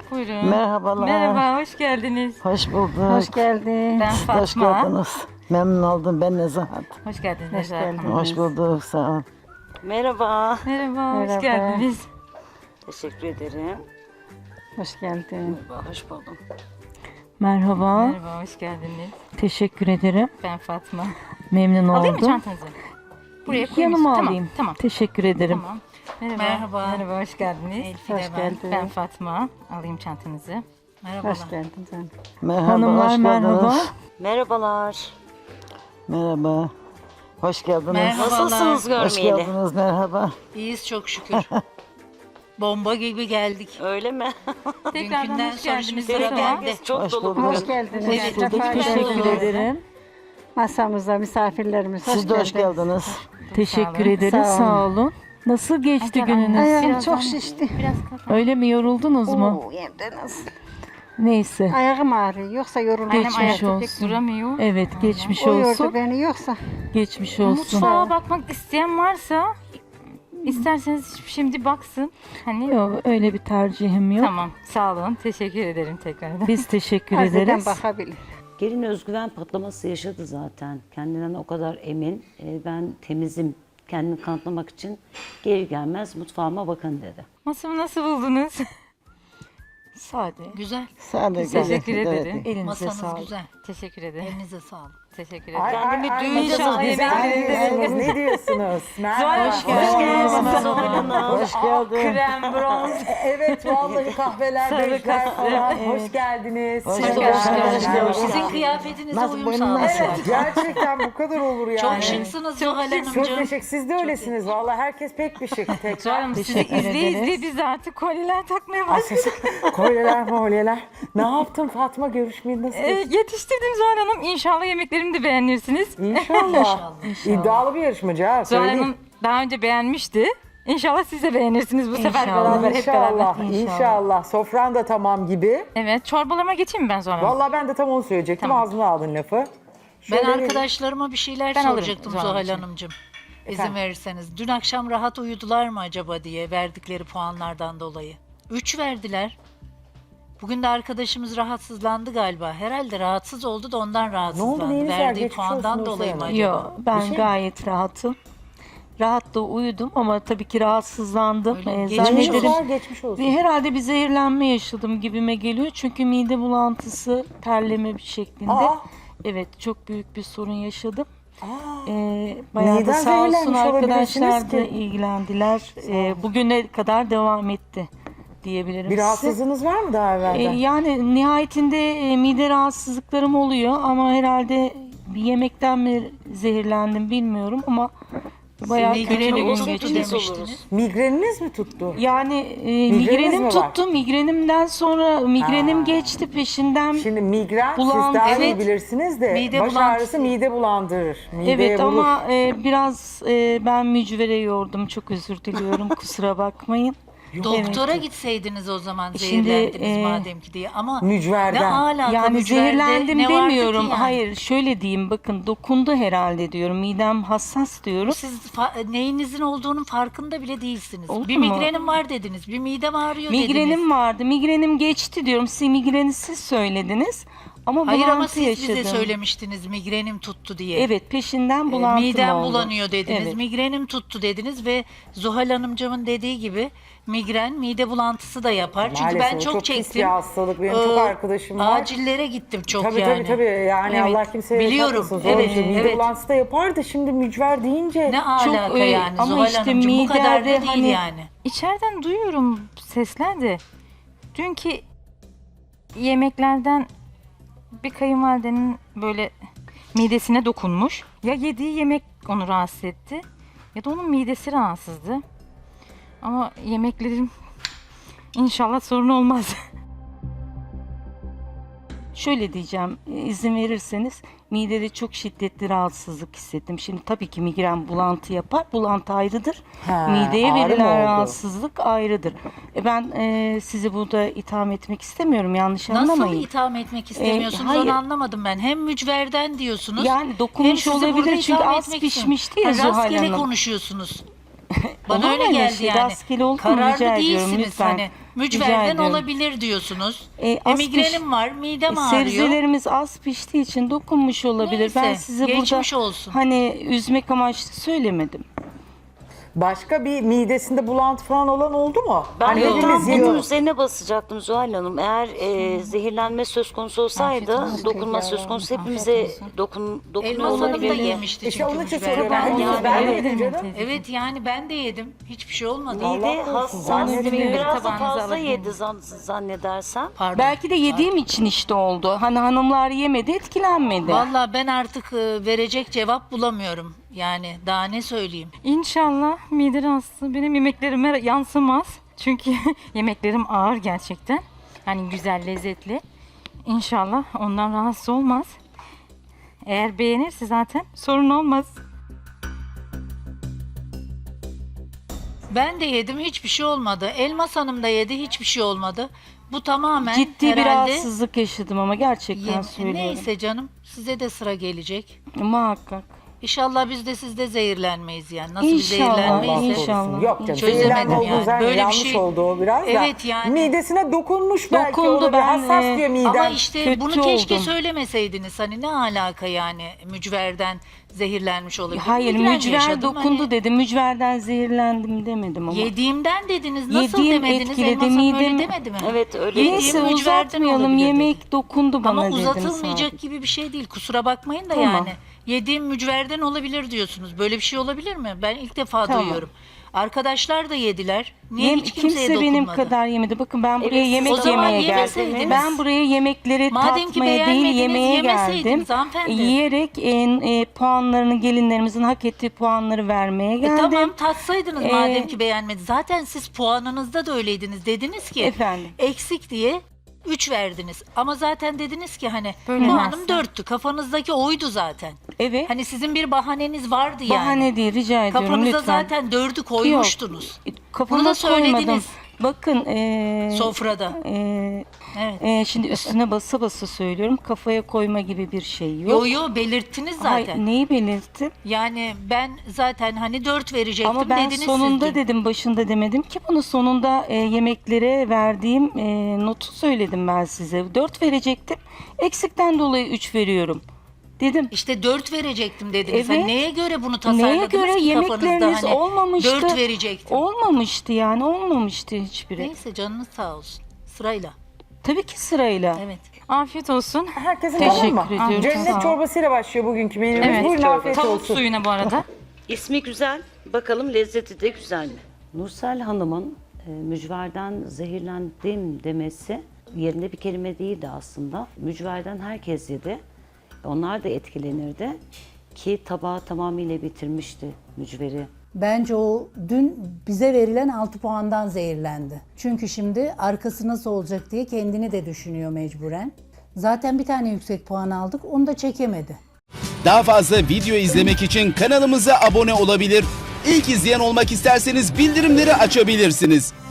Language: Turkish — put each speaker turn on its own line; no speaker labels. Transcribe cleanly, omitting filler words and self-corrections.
Buyurun.
Merhabalar.
Merhaba, hoş geldiniz.
Hoş bulduk.
Hoş geldin.
Ben
Siz de hoş
Fatma.
geldiniz. Memnun oldum. Ben Nezahat.
Hoş geldiniz
Hoş
Nezahat
geldin.
Hanım.
Hoş bulduk. Sağ ol.
Merhaba.
Merhaba, hoş
Merhaba.
geldiniz.
Teşekkür ederim.
Hoş geldin.
Hoş buldum.
Merhaba,
Merhaba, hoş geldiniz.
teşekkür ederim.
Ben Fatma.
Memnun
Alayım mı
oldum.
çantanızı? Buraya koyayım.
Yanıma
Tamam,
alayım.
Tamam,
Teşekkür ederim.
tamam. Merhaba.
Merhaba.
Merhaba, hoş geldiniz.
Elfide
Hoş
ben.
geldin.
Ben Fatma. Alayım çantanızı.
Merhabalar.
Hoş geldin canım.
Merhaba.
Hanımlar
hoş
merhaba.
geldiniz.
Merhabalar.
Merhaba. Hoş geldiniz.
Merhaba.
Nasılsınız
Hoş
görmeyeli?
geldiniz. Merhaba.
İyiyiz çok şükür. Bomba gibi geldik.
Öyle mi?
Tekrardan
Dünkünden
hoş
sonra
geldiniz.
şimdi
Direkt
sıra
Merhaba.
bende.
çok
Hoş
dolu
bulduk.
bugün.
Hoş geldiniz.
Evet,
Sefa
Teşekkür
geldiniz.
ederim.
Masamıza misafirlerimiz hoş
Siz de hoş
geldiniz.
geldiniz.
Teşekkür
olun.
ederiz.
Sağ
Sağ olun. Nasıl geçti gününüz?
Ayağım
Birazdan-
çok şişti.
Biraz kalk.
Öyle mi yoruldunuz mu?
Oo, hem de nasıl?
Neyse.
Ayağım ağrıyor. Yoksa yorulmam.
Annem
Geçmiş
ayakta pek
olsun.
duramıyor.
Evet, geçmiş
O yordu
olsun.
beni yoksa.
Geçmiş olsun.
Mutfağa bakmak isteyen varsa isterseniz şimdi baksın. Hani
Yok, öyle bir tercihim yok.
tamam, sağ olun. Teşekkür ederim tekrardan.
Biz teşekkür
Harbiden
ederiz.
bakabilir.
Gelin özgüven patlaması yaşadı zaten. Kendinden o kadar emin. Ben temizim. Kendini kanıtlamak için geri gelmez mutfağıma bakın dedi.
Masamı nasıl buldunuz?
Sade.
Güzel.
Sağ olun.
Teşekkür ederim.
Elinize
Masanız
sağlık.
güzel.
Teşekkür ederim.
Elinize sağlık.
Teşekkür ederim.
Kendimi düğün
İnşallah yemekleriniz
Ne diyorsunuz? Merhaba.
Hoş geldiniz.
Hoş geldin.
Krem, bronz.
Evet vallahi kahveler,
Sarı
bejler
kası.
falan. Hoş geldiniz.
Hoş
Merhaba.
geldiniz. Hoş
Merhaba.
geldiniz.
Sizin kıyafetinize
Nasıl,
uyum
boynun nasıl?
sağladı.
Gerçekten bu kadar olur yani.
Çok şıksınız Zuhal
Çok
Hanımcığım.
teşekkür. Siz de öylesiniz. Vallahi herkes pek bir şık. Tekrar.
Canım sizi
Teşekkür
izleye
ederiz.
izleye biz artık kolyeler takmaya başladık.
Kolyeler molyeler. Ne yaptın Fatma, görüşmeyi nasıl?
Yetiştirdim Zuhal Hanım. İnşallah yemeklerimi de beğenirsiniz.
İnşallah. İddialı bir yarışmacı ha.
Zuhal
Söyleyeyim.
Hanım daha önce beğenmişti. İnşallah siz de beğenirsiniz bu sefer
İnşallah.
beraber hep beraber.
İnşallah. İnşallah. Sofran da tamam gibi.
Evet, çorbalarıma geçeyim mi ben Zuhal Hanım?
Vallahi ben de tam onu söyleyecektim.
Tamam.
Ağzına aldın lafı.
Ben
Şöyle bir-
arkadaşlarıma bir şeyler
Ben alırım
soracaktım
Zuhal
Zuhal
Hanımcığım.
Hanımcığım.
Efendim?
İzin verirseniz. Dün akşam rahat uyudular mı acaba diye verdikleri puanlardan dolayı. 3 verdiler. Bugün de arkadaşımız rahatsızlandı galiba. Herhalde rahatsız oldu da ondan rahatsızlandı.
neyiniz var?
Verdiği
Geçmiş olsun
puandan
Nursel
dolayı mı
Hanım.
acaba?
Yok, ben gayet rahatım. Rahat da uyudum ama tabii ki rahatsızlandım.
Öyle mi?
Geçmiş
Zannederim
olsun. Geçmiş olsun.
herhalde bir zehirlenme yaşadım gibime geliyor. Çünkü mide bulantısı, terleme bir şeklinde.
Aa.
Evet, çok büyük bir sorun yaşadım.
Aa.
Bayağı da
Neden
sağ olsun
zehirlenmiş
arkadaşlar
olabilirsiniz
da
ki?
ilgilendiler. Bugüne kadar devam etti diyebilirim
Bir
size.
rahatsızlığınız var mı daha evvelden?
Yani nihayetinde mide rahatsızlıklarım oluyor ama herhalde bir yemekten mi zehirlendim bilmiyorum ama bayağı kötü bir
Migreni
gün
bozuldu
geçirdim.
demiştiniz.
Migreniniz mi tuttu?
Yani
Migreniniz mi
migrenim
var?
tuttu. Migrenimden sonra migrenim geçti peşinden.
Şimdi migren
Bulan-
siz daha iyi
Evet.
bilirsiniz de
Mide
baş
bulantısı.
ağrısı mide bulandırır. Mideye
Evet
vurur.
ama biraz ben mücvere yordum. Çok özür diliyorum. Kusura bakmayın.
Doktora gitseydiniz o zaman
Şimdi,
zehirlendiniz madem ki diye ama
Mücverden.
ne alaka
Yani
mücverde
zehirlendim
ne vardı ki
demiyorum.
yani?
Hayır, şöyle diyeyim, bakın dokundu herhalde diyorum. Midem hassas diyorum.
Siz neyinizin olduğunun farkında bile değilsiniz.
Olur
Bir
mu?
migrenim var dediniz. Bir midem ağrıyor dediniz.
Migrenim vardı. Migrenim geçti diyorum. Siz migreni siz söylediniz. Ama
Hayır ama
bulantı
siz
yaşadım.
bize söylemiştiniz migrenim tuttu diye.
Evet, peşinden bulantım
Midem
oldu.
bulanıyor dediniz.
Evet.
Migrenim tuttu dediniz ve Zuhal Hanımcığımın dediği gibi migren mide bulantısı da yapar. Çünkü
Maalesef
ben
o
çok
çok pis
çektim.
bir hastalık. Benim çok arkadaşım var.
Acillere gittim çok
Tabii
yani.
tabii yani
Evet.
Allah kimseye
Biliyorum.
yaşatmasın.
Evet,
Zor bir şey. Mide
evet.
bulantısı da yapar da şimdi mücver deyince.
Ne alaka yani
ama
Zuhal
işte
Hanımcığım bu kadar da
midede
değil
hani-
yani.
İçeriden duyuyorum sesler de. Dünkü yemeklerden bir kayınvalidenin böyle midesine dokunmuş. Ya yediği yemek onu rahatsız etti ya da onun midesi rahatsızdı. Ama yemeklerim inşallah sorun olmaz.
Şöyle diyeceğim, izin verirseniz midede çok şiddetli rahatsızlık hissettim. Şimdi tabii ki migren bulantı yapar. Bulantı ayrıdır.
Ha,
Mideye
ağrı mı
verilen
oldu?
rahatsızlık ayrıdır. Ben sizi burada itham etmek istemiyorum. Yanlış
Nasıl
anlamayın.
itham etmek istemiyorsunuz
hayır.
onu anlamadım ben. Hem mücverden diyorsunuz.
Yani
hem
dokunmuş
sizi burada
olabilir çünkü
itham
az
etmek
pişmişti ya
istiyorum.
Zuhal
Rastgele
Hanım.
konuşuyorsunuz. Bana
Olur mu
öyle
öyle
geldi
şey?
yani.
Rastgele olur mu?
Kararlı
Rica ediyorum
değilsiniz
lütfen.
hani. Mücverden
ediyorum.
olabilir diyorsunuz.
Az
Migrenim var, midem ağrıyor.
Sebzelerimiz az piştiği için dokunmuş olabilir.
Neyse,
Ben size burada
geçmiş olsun.
hani üzmek amaçlı söylemedim.
Başka bir midesinde bulantı falan olan oldu mu?
Ben
Hani
de
hepimiz
tam bunun
yiyoruz.
üzerine basacaktım Zuhal Hanım. Eğer zehirlenme söz konusu olsaydı, dokunma söz konusu hepimize dokunuyor
Elmas Hanım da
olabilirdi.
yemişti
İşte
çünkü
onun için
mücver.
soruyorum.
Ben
Hepimiz
yedim.
ben
Evet.
yedim canım.
Evet yani ben de yedim. Hiçbir şey olmadı.
Mide
korusun,
hassas,
zannediyorum.
biraz da
Tabağınıza
fazla
alabilir
yedi
miyim?
zannedersem.
Pardon.
Belki de yediğim için işte oldu. Hani hanımlar yemedi, etkilenmedi.
Vallahi ben artık verecek cevap bulamıyorum. Yani daha ne söyleyeyim?
İnşallah mide rahatsızlığı benim yemeklerime yansımaz. Çünkü yemeklerim ağır gerçekten. Hani güzel, lezzetli. İnşallah ondan rahatsız olmaz. Eğer beğenirse zaten sorun olmaz.
Ben de yedim hiçbir şey olmadı. Elmas Hanım da yedi hiçbir şey olmadı. Bu tamamen
Ciddi bir
herhalde
rahatsızlık yaşadım ama gerçekten söylüyorum.
Neyse canım size de sıra gelecek.
Muhakkak.
İnşallah biz de sizde zehirlenmeyiz yani. Nasıl bir
İnşallah,
zehirlenmeyiz?
Allah
İnşallah.
korusun. Yok canım.
Çözemedim
Zehirlenme
yani.
olduğu zaten
Böyle bir
yanlış
şey-
oldu o biraz da.
Evet yani.
Midesine dokunmuş belki.
Dokundu,
Dokundu
ben,
hassas diyor midem.
Ama işte
kötü
bunu keşke
oldum.
söylemeseydiniz. Hani ne alaka yani mücverden zehirlenmiş olabilir.
Hayır,
Migren
mücver
yaşadım.
dokundu
Hani
dedim. Mücverden zehirlendim demedim ama.
Yediğimden dediniz. Nasıl
Yediğim
demediniz?
etkiledi,
Elmas Hanım öyle
midem-
demedi mi?
Evet öyle.
Yediğim
Neyse
mücverden
uzatmayalım.
olabilir dedi.
Yemek dokundu bana
Ama
dedim
uzatılmayacak
sadece.
gibi bir şey değil. Kusura bakmayın da
Tamam.
yani. Yediğim mücverden olabilir diyorsunuz. Böyle bir şey olabilir mi? Ben ilk defa
Tamam.
duyuyorum. Arkadaşlar da yediler. Niye hiç kimseye
Kimse benim
dokunmadı?
kadar yemedi. Bakın ben buraya
siz
yemek
o zaman
yemeye geldim.
yemeseydiniz.
Ben buraya yemekleri
Madem ki
tatmaya değil
beğenmediniz,
yemeye
yemeseydiniz
geldim.
hanımefendi.
Yiyerek puanlarını gelinlerimizin hak ettiği puanları vermeye geldim.
Tamam tatsaydınız
Ee,
madem ki beğenmedi. Zaten siz puanınızda da öyleydiniz. Dediniz ki
Efendim?
eksik diye 3 verdiniz. Ama zaten dediniz ki hani
Böyle
puanım
versin.
4'tü. Kafanızdaki oydu zaten.
Evet.
Hani sizin bir bahaneniz vardı yani.
Bahane değil, rica ediyorum
Kafanıza
lütfen.
zaten 4'ü koymuştunuz.
Kafama
Bunu da
koymadım.
söylediniz.
Bakın
Sofrada. Evet.
şimdi üstüne basa basa söylüyorum. Kafaya koyma gibi bir şey yok.
Yo yo belirttiniz zaten.
Hayır, neyi belirttim?
Yani ben zaten hani 4 verecektim
Ama ben
dediniz
sonunda
siz dün.
dedim, başında demedim ki bunu. Sonunda yemeklere verdiğim notu söyledim ben size. 4 verecektim. Eksikten dolayı 3 veriyorum dedim.
İşte 4 verecektim dediniz.
Evet.
Hani neye göre bunu tasarladınız
Neye göre
ki kafanızda
yemekleriniz
hani
olmamıştı.
4 verecektim.
Olmamıştı yani, olmamıştı hiçbiri.
Neyse canınız sağ olsun. Sırayla.
Tabii ki sırayla.
Evet.
Afiyet olsun.
Herkesin
Teşekkür
tamam mı?
ediyorum, sağ
Cennet
ol.
çorbasıyla başlıyor bugünkü menümüz.
Evet.
Buyurun afiyet
Tavuk
olsun.
suyuna bu arada.
İsmi güzel. Bakalım lezzeti de güzel mi? Nursel Hanım'ın mücverden zehirlendim demesi yerinde bir kelime değildi aslında. Mücverden herkes yedi. Onlar da etkilenirdi. Ki tabağı tamamıyla bitirmişti mücveri.
Bence o dün bize verilen 6 puandan zehirlendi. Çünkü şimdi arkası nasıl olacak diye kendini de düşünüyor mecburen. Zaten bir tane yüksek puan aldık, onu da çekemedi.
Daha fazla video izlemek için kanalımıza abone olabilir. İlk izleyen olmak isterseniz bildirimleri açabilirsiniz.